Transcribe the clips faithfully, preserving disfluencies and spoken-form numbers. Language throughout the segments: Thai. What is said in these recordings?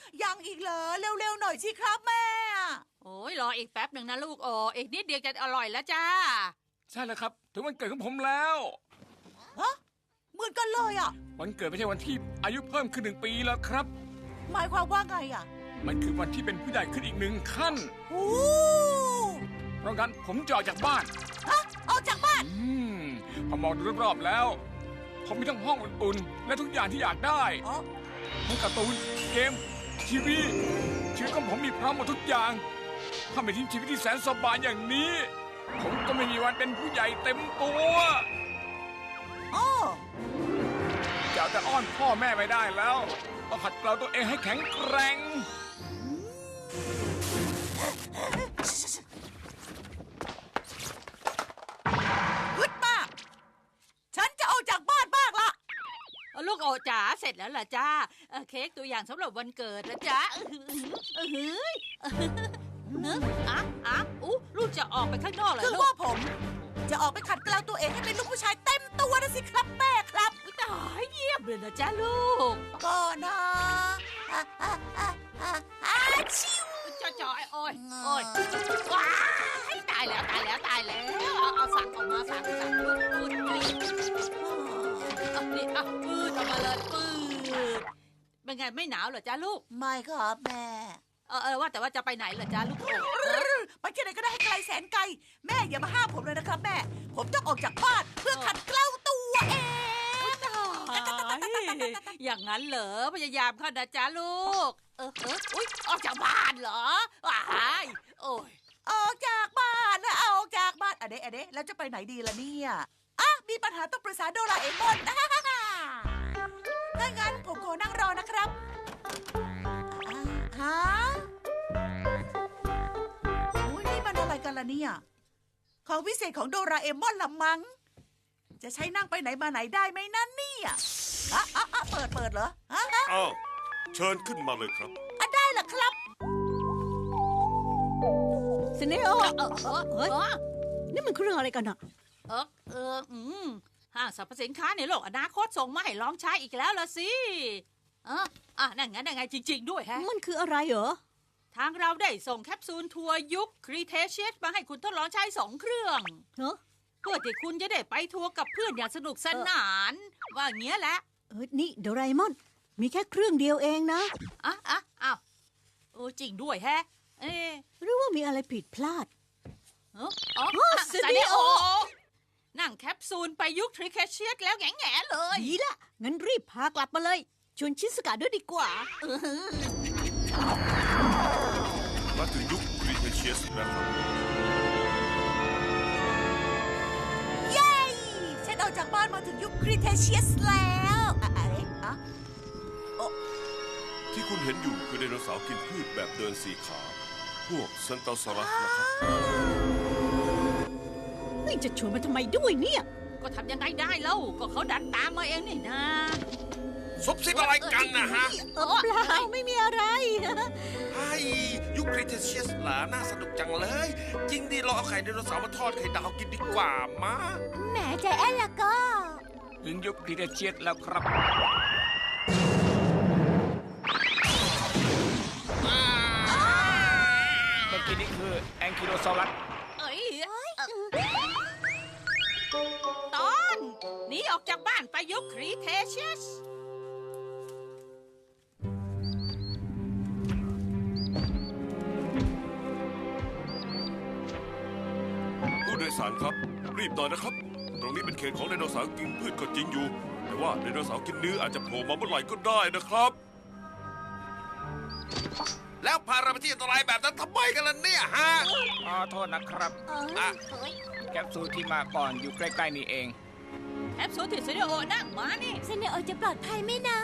ยังอีกเหรอเร็วๆหน่อยสิครับแม่โอ้ยรออีกแป๊บหนึ่งนะลูกโอ้อีกนิดเดียวจะอร่อยแล้วจ้าใช่แล้วครับถึงวันเกิดของผมแล้วฮะเหมือนกันเลยอ่ะวันเกิดไม่ใช่วันที่อายุเพิ่มขึ้นหนึ่งปีแล้วครับหมายความว่าไงอ่ะมันคือวันที่เป็นผู้ใหญ่ขึ้นอีกหนึ่งขั้นโอ้เพราะงั้นผมจะออกจากบ้านฮะออกจากบ้านอืมพอมองดูรอบๆแล้วผมมีทั้งห้องอุ่นๆและทุกอย่างที่อยากได้ทั้งการ์ตูนเกมทีวีชีวิตของผมมีพร้อมหมดทุกอย่างถ้าไม่ทิ้งชีวิตที่แสนสบายอย่างนี้ผมก็ไม่มีวันเป็นผู้ใหญ่เต็มตัวอ้อจะแต่อ้อนพ่อแม่ไม่ได้แล้วต้องขัดเกลาตัวเองให้แข็งแกร่งฮึดมากฉันจะออกจากบ้านบ้างละลูกโอจ๋าเสร็จแล้วล่ะจ้าเค้กตัวอย่างสำหรับวันเกิดนะจ๊ะเออเฮ้ยเนอะอ่ะอ่ะอู้ลูกจะออกไปข้างนอกเหรอคือว่าผมจะออกไปขัดเกลาตัวเองให้เป็นลูกผู้ชายเต็มตัวนะสิครับแม่ครับตายเยี่ยมเลยนะจ๊ะลูกก็นะอ่ะอ่ะอ่ะอ่ะอ่ะชิวจ่อจ่อโอ้ยโอ้ยว้ายตายแล้วตายแล้วตายแล้วเอาเอาสั่งออกมาสั่งสั่งปืดปืดปืดเอานี่เอาปืดออกมาเลยปืดเป็นไงไม่หนาวเหรอจ๊ะลูกไม่ครับแม่เออเออว่าแต่ว่าจะไปไหนเหรอจ๊ะลูกไปที่ไหนก็ได้ให้ไกลแสนไกลแม่อย่ามาห้ามผมเลยนะครับแม่ผมต้องออกจากบ้านเพื่อขัดเกลาตัวเองอย่างนั้นเหรอพยายามเข้านะจ๊ะลูกเออเอออุ้ยออกจากบ้านเหรอว้ายโอ้ยออกจากบ้านนะออกจากบ้านอะเดะอะเดะแล้วจะไปไหนดีล่ะเนี่ยอ่ะมีปัญหาต้องปรึกษาโดราเอมอนถ้างั้นผมขอนั่งรอนะครับฮะโอ้ยนี่มันอะไรกันล่ะเนี่ยของวิเศษของโดราเอมอนละมังจะใช้นั่งไปไหนมาไหนได้ไหมนั่นเนี่ยอ่ะอ่ะอ่ะเปิดเปิดเหรอฮะอ้าวเชิญขึ้นมาเลยครับอ่ะได้เหรอครับสเนโอเออเฮ้ยนี่มันคือเรื่องอะไรกันอะเออเอออืมห้างสรรพสินค้าในโลกอนาคตส่งมาให้ลองใช้อีกแล้วล่ะสิเอออ่ะนั่นไงนั่นไงจริงๆด้วยฮะมันคืออะไรเหรอทางเราได้ส่งแคปซูลทัวร์ยุคครีเทเชียสมาให้คุณทดลองใช้สองเครื่องเนอะเพื่อที่คุณจะได้ไปทัวร์กับเพื่อนอย่างสนุกสนานว่าอย่างเงี้ยแหละเออนี่โดราเอมอนมีแค่เครื่องเดียวเองนะอ่ะอ่ะอ้าวโอ้จริงด้วยแฮะเอ๊ะหรือว่ามีอะไรผิดพลาดเอออ๋อซาเนโอนั่งแคปซูลไปยุคทริเคเชียสแล้วแง่ๆเลยดีละงั้นรีบพากลับมาเลยชวนชิสกะด้วยดีกว่ามาถึงยุคครีเทเชียสแล้วครับเย้ฉันออกจากบ้านมาถึงยุคครีเทเชียสแล้วอะไรอ่ะโอ้ที่คุณเห็นอยู่คือไดโนเสาร์กินพืชแบบเดินสี่ขาพวกเซนโตซอรัสนะครับนี่จะชวนมาทำไมด้วยเนี่ยก็ทำยังไงได้เล่าก็เขาดันตามมาเองนี่นะซุบซิบอะไรกันนะฮะเปล่าไม่มีอะไรไอ้ยุคครีเทเชียสเหรอน่าสนุกจังเลยจริงดิเราเอาไข่ไดโนเสาร์มาทอดไข่ดาวกินดีกว่ามาแหมใจแอนล่ะก็ถึงยุคครีเทเชียสแล้วครับเมื่อกี้นี่คือแองคิโลซอรัสเอ้ยตอนหนีออกจากบ้านไปยุคครีเทเชียสผู้โดยสารครับรีบหน่อยนะครับตรงนี้เป็นเขตของไดโนเสาร์กินพืชก็จริงอยู่แต่ว่าไดโนเสาร์กินเนื้ออาจจะโผล่มาเมื่อไหร่ก็ได้นะครับแล้วพาเราไปที่อันตรายแบบนั้นทำไมกันล่ะเนี่ยฮะขอโทษนะครับแคปซูลที่มาก่อนอยู่ใกล้ๆนี่เองแคปซูลที่เซเนโอนั่งมานี่เซเนโอจะปลอดภัยไหมนะ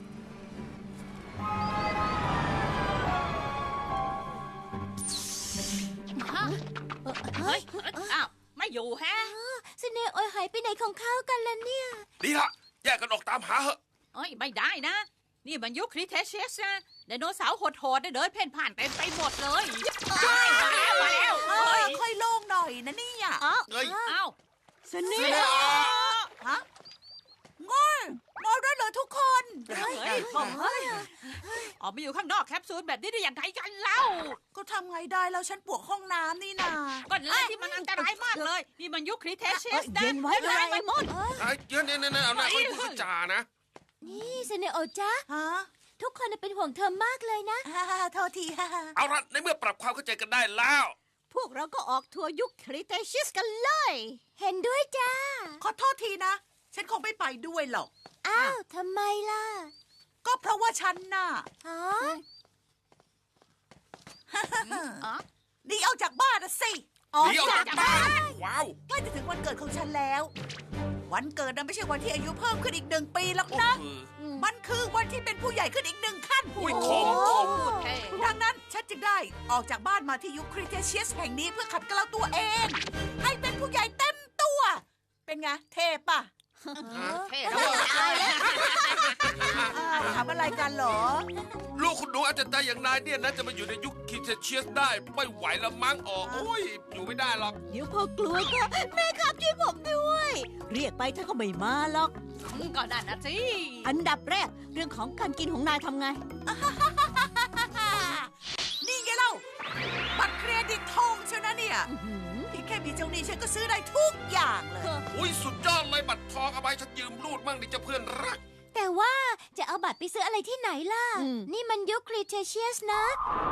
เฮ้ยอ้าวไม่อยู่แฮะเซเนโอหายไปไหนของเขากันล่ะเนี่ยดีละแยกกันออกตามหาเหอะเอ้ยไม่ได้นะนี่มันยุคครีเทเชียสนะไดโนเสาร์โหดๆได้เดินเพ่นผ่านเต็มไปหมดเลยใช่มาแล้วมาแล้วค่อยโล่งหน่อยนะนี่อ่ะเอ้ยอ้าวสเนโอฮะงอยงอยได้เลยอะทุกคนเฮ้ยเฮ้ยเฮ้ยออกมาอยู่ข้างนอกแคปซูลแบบนี้ได้ยังไงกันเล่าก็ทำไงได้แล้วฉันปวดห้องน้ำนี่นาก่อนเลยที่มันอันตรายมากเลย นี่มันยุคคริเทเชียสนะเย็นไว้โดราเอมอนไอ้เดี๋ยวเนี่ยเนี่ยเอาหน้าเขาพูดจานะนี่เซเนโอจ้าฮะทุกคนเป็นห่วงเธอมากเลยนะฮ่าฮ่าโทษทีฮ่าฮ่าเอาละในเมื่อปรับความเข้าใจกันได้แล้วพวกเราก็ออกทัวร์ยุคคริเทเชียสกันเลย เห็นด้วยจ้าขอโทษทีนะ ฉันคงไม่ไปด้วยหรอกอ้าวทำไมล่ะก็เพราะว่าฉันน่ะอ๋ออ๋อหนีออกจากบ้านนะสิออกหนีออกจากจากบ้าบ้านนว้าวใกล้จะถึงวันเกิดของฉันแล้ว วันเกิดนั้นไม่ใช่วันที่อายุเพิ่มขึ้นอีกหนึ่งปีหรอกโอ้นะโหมันคือวันที่เป็นผู้ใหญ่ขึ้นอีกหนึ่งขั้นอุ้ยคมคมพูดเท่ดังนั้นฉันจึงได้ออกจากบ้านมาที่ยุคคริเทเชียสแห่งนี้เพื่อขัดเกลาตัวเอง ให้เป็นผู้ใหญ่เต็มตัว เป็นไงเทปะเท่แล้วตายแล้วอ้าวทำอะไรกันเหรอลูกคุณหนูอาจจะใจอย่างนายเนี่ยนะจะมาอยู่ในยุคคิเทเชียสได้ไม่ไหวละมั้งอ๋อโอ้ยอยู่ไม่ได้หรอกเดี๋ยวพอกลัวก็แม่ครับช่วยผมด้วย เรียกไปท่านก็ไม่มาหรอกก่อนนั่นนะสิอันดับแรกเรื่องของการกินของนายทำไงนี่ไงเล่า บัตรเครดิตทองเชียวนะเนี่ยอื้อหือที่แค่มีเจ้าหนี้ฉันก็ซื้อได้ทุกอย่างเลยอุ้ยสุดยอดเลยบัตรทองเอาไปฉันยืมรูดมั่งดิเจ้าเพื่อนรักแต่ว่าจะเอาบัตรไปซื้ออะไรที่ไหนล่ะ นี่มันยุคคริเทเชียสนะ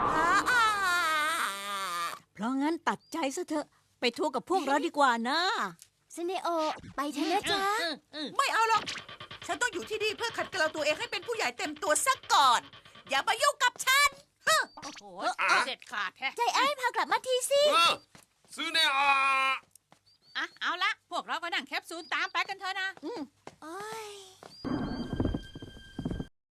เพราะงั้นตัดใจซะเถอะ ไปทัวร์กับพวกเราดีกว่านะเซเนโอ ไปเถอะนะจ๊ะไม่เอาหรอก ฉันต้องอยู่ที่นี่เพื่อขัดเกลาตัวเองให้เป็นผู้ใหญ่เต็มตัวซะก่อน อย่ามายุ่งกับฉันโอ้โหเด็ดขาดแท้ใจไอ้พากลับมาทีสิเออซื้อแน่อ่ะอ่ะเอาละพวกเราก็นั่งแคปซูลตามไปกันเถอะนะโอ้ย